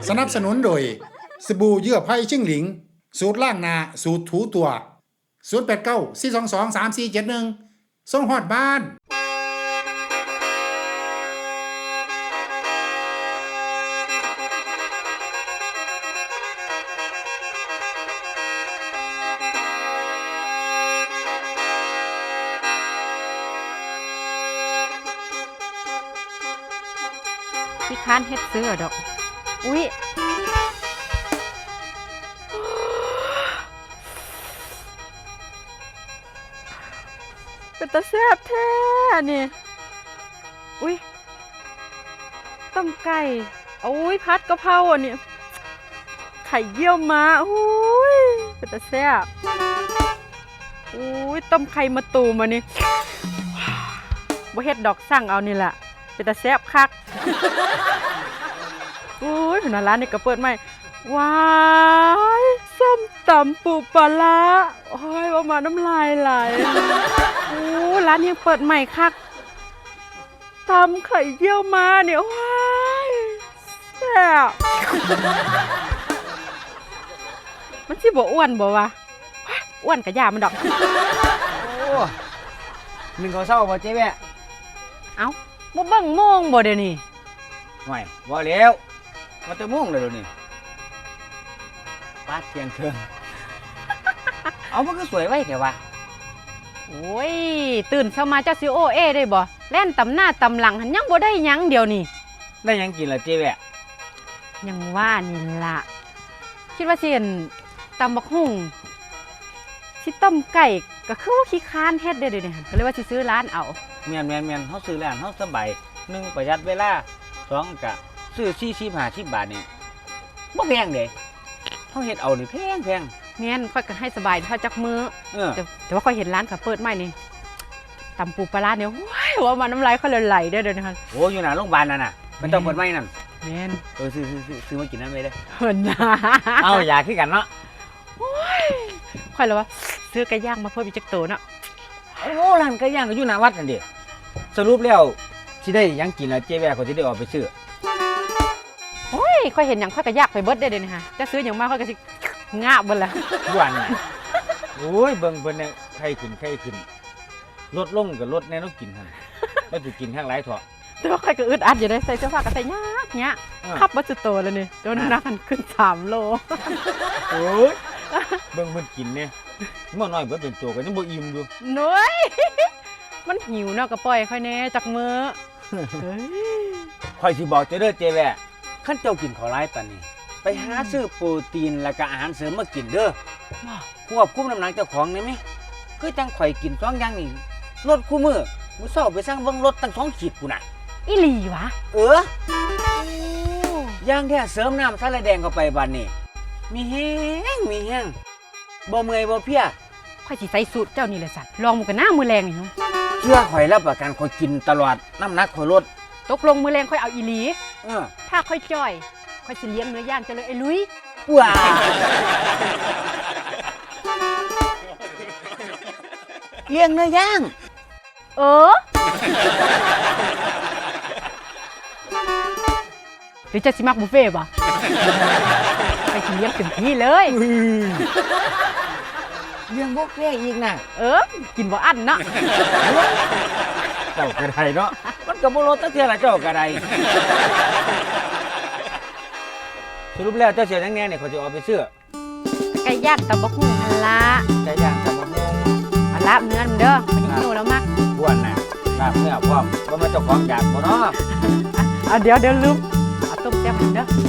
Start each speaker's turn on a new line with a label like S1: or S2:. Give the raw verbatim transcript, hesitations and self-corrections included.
S1: สนับสนุนโดยสบู่เยื่อไผ่ชิ่งหลิงสูตรล่างนาสูตรถูตัวศูนย์ แปด เก้า สี่ สอง สอง สาม สี่ เจ็ด หนึ่งส่งฮอดบ้าน
S2: ที่ค้านเฮ็ดซื้อดอกอุ๊ยเป็นตาแซ่บแท้นี่อุ๊ยต้มไก่อุ๊ยพัดกะเพราอันนี้ไข่เยี่ยวม้าอุ๊ยเป็นตาแซ่บอุ๊ยต้มไข่มะตูมอันนี้บ่เฮ็ดดอกสั่งเอานี่แหละเป็นตาแซ่บคักอุ้ยผนร้านนี่ก็เปิดใหม่ว้ายส้มตำปูปลาร้าโอ้ยว่ามาน้ำลายไหลโอ้ร้านยังเปิดใหม่คักตำไข่เยี่ยวมาเนี่ยว้ายแซ่บมันสิบ่อ้วนบ่วะอ้วนกะยามันดอก
S3: โอ้หนึ่งเขาเศร้าบ่เจ๊แม่
S2: เอ้าบ่เบิ่งโมงบ่เดี๋ยวนี้
S3: ห่วยบ่แล้วมาแต่ม่วงเลยเดี๋ยวนี้ป้าเทียงเทิงเอามันก็สวยไว้แต่ว่า
S2: โอ้ยตื่นเช้ามาเจ้าซิโอเอได้บ่แล่นตำหน้าตำหลังหันยังบ่ได้ยังเดี๋ยวนี้
S3: ได้ยังกินล่ะเจ๊แม่
S2: ยังว่านี่ล่ะคิดว่าสิเห็นตำบักหุ่งสิต้มไก่ก็คือว่าขี้ค้านเฮ็ดได้เดี๋ยวนี้ก็เลยว่าสิซื้อร้านเอา
S3: แม่นแม่นแม่นเฮาซื้อร้านเฮาสบายหนึ่งประหยัดเวลาสองก็ซื้อสี่สิบห้าสิบบาทนี่บ่แพงเด้เฮาเฮ็ดเอานี่แพงแพง
S2: แม่นค่อยก็ให้สบายเท่าจักมื้อ
S3: เออ
S2: แต่แต่ว่าค่อยเห็นร้านก็เปิดใหม่นี่ตำปูปลาร้าเนี่ยว้ายว่ามันน้ำลายค่อยไหลเด้อเดี๋ยวนี้ค่ะ
S3: โอ้อยู่หน้าโรงพยาบาลนั่นน่ะมันต้องเปิดใหม่นั่น
S2: แม่น
S3: เออซื้อซื้อซื้อมากินนั่นเลยเด้อ
S2: เพิ่นน่ะ
S3: เอาอยากคือกันเนาะ
S2: โอ้ยค่อยเลยว่าซื้อไก่ย่างมาเพิ่มอีกจักโตเนาะ
S3: โอ้ร้านไก่ย่างก็อยู่หน้าวัดนั่นดิสรุปแล้วสิได้ยังกินแล้วเจ๊แว่ก็สิได้ออกไปซื้อ
S2: โอ้ยค่อยเห็นหยังค่อยก็อยากไปเบิดได้เด้นี่ฮะจะซื้อหยังมาค่อยก็สิงาบเบิดล่ะ
S3: วันโอ้ยเบิ่งเพิ่นเนี่ยไข้ขึ้นไข้ขึ้นลดลงก็ลดแน่นอนกินหั่นบ่สิกินข้างหลายเถาะ
S2: แต่ว่าค่อยก็อึดอัดอยู่ได้ใส่เสื้อผ้าก็ใส่ยากยะขับบ่สุดโตแล้วนี่โดนน้ำมันขึ้นสามโล
S3: โอ้ยเบิ่งเพิ่นกินเนี่ยมื้อน้อยเบิ่เป็นตัวก็ยังบ่อิ่มอยู่
S2: น้อยมันหิวเนาะก็ปล่อยค่อยแน่จักมื้อเฮ้ย
S3: ค่อยสิบอกเจ้าเด้อเจ๊แว่คันเจ้ากินข้าวหลายปานนี้ไปหาซื้อโปรตีนแล้วก็อาหารเสริมมากินเด้อควบคุมน้ำหนักเจ้าของได้มั้ยคือจังข่อยกินสองอย่างนี่ลดคู่มื้อมื้อเช้าไปสั่งเบิ่งลดตั้งสองขีดพุ่นน่ะ
S2: อีหลีวะ
S3: เออย่างแท้เสริมน้ำสาลายแดงเข้าไปบัดนี้มีแห้งมีแห้งบ่เมื่อยบ่เพลีย
S2: ค่อยสิใส่สูตรเจ้านี่แหละสัตว์ลองมื้อกันหน้ามื้อแรงนี่เนาะ
S3: เชื่อข่อยรับประกันข่อยกินตลอดน้ำหนักข่อยลด
S2: ตกลงมื้อแรงค่อยเอาอีหลี
S3: เออ
S2: ถ้าค่อยจ้อยค่อยสิเลี้ยงเนื้อย่างเจ้าเลยไอ้ลุย
S3: ว้าเลี้ยงเนื้อย่าง
S2: เออหรือจะสิมักบุฟเฟ่บ่ไปสิเลี้ยงเต็มที่เลย
S3: เลี้ยงบุฟเฟ่อีกน่ะ
S2: เออกินบ่อั้นเนาะ
S3: เจ้ากระไดเนาะมันก็บ่ลดตั้งเท่าไหร่เจ้ากระไดสรุปแล้วเจ้าเสียจังแน่เนี่ยเขาจะเอาไปซื้อ
S2: ไก่ย่างตำบักหุ่งหั่นล่ะ
S3: ไก่ย่างตำบักหุ่ง
S2: อันลาบเนื้อเด้อมันหิวแล้วมัก
S3: บ้วนน่ะลาบเนื้อพร้อมบ่มาเจ้าของอยากบ่เนาะ
S2: อ่ะเดี๋ยวเดี๋ยวลืมเอาต้มแซ่บเด้อ